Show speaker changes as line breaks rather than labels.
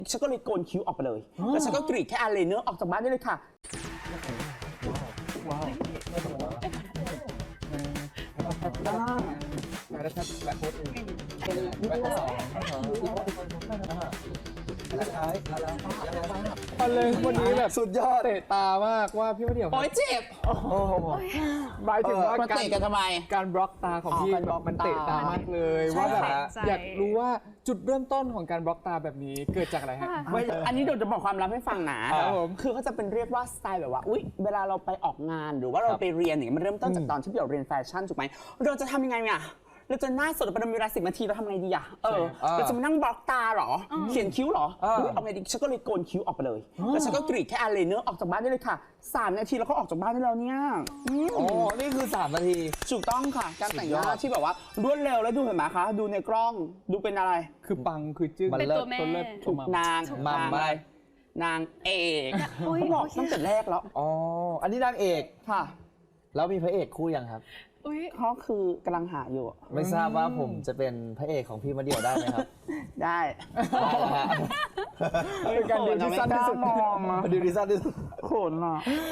ฉันก็เลยโกนคิ้วออกไปเลยแล้วฉันก็กรีดแค่อายไลเนอร์ออกจากบ้านได้เลยค่ะว้าว
แล้วถ้าแบบโค้ดอื่นแบบสอง
พอเลยวันนี้แบบ
สุดยอด
เตะตามากว่าพี่มะเดี่ยว
โอ๊ยเจ็บ
หมายถึงว่า
มาเตะกันทำไม
การบล็อกตาของพี่
การบล็อก
มันเตะตามากเลย
ใช่
ว่าแบบ
ค่ะ
อยากรู้ว่าจุดเริ่มต้นของการบล็อกตาแบบนี้เกิดจากอะไรฮะ
อันนี้เดี๋ยวจะบอกความลับให้ฟังนะครับ
ผม
คือเขาจะเป็นเรียกว่าสไตล์แบบว่าอุ๊ยเวลาเราไปออกงานหรือว่าเราไปเรียนอย่างเงี้ยมันเริ่มต้นจากตอนที่เราเรียนแฟชั่นถูกไหมเราจะทำยังไงเนี่ยเราจะหน้าสดประมาณเวลา10 นาทีเราทำไงดีอะเราจะมานั่งบล็อกตาเหรอเขียนคิ้วเหรออุ๊ยเอาไงดีฉันก็เลยโกนคิ้วออกไปเลยแล้วฉันก็กรีดแค่อายไลเนอร์ออกจากบ้านได้เลยค่ะ3 นาทีแล้วก็ออกจากบ้านได้แล้วเนี่ย
โอ้นี่คือ3 นาที
ถูกต้องค่ะการแต่งหน้า
สุดยอด
ที่แบบว่ารวดเร็วแล้วดูเห็นไหมคะดูในกล้องดูเป็นอะไร
คือปังคือจึ้ง
เป็นตัว
แม่
เลิศ
ถูกนาง
มัม
อะไรนางเอก
อุ๊ย
เขาบอก
โอเค
ตั้งแต่แรกแล้ว
อ๋ออันนี้นางเอก
ค่ะ
แล้วมีพระเอกคู่ยังครับ
อุ้ย
เขาคือกำลังหาอยู่
ไม่ทราบว่าผมจะเป็นพระเอกของพี่มะเดี่ยวได้ไหมครับ
ได้
ได้แล้วฮะ
เป็นการดีลที่สั้นที่สุด
มองอะ
มาดูดีสั้นที่สุด
โขนอ่ะ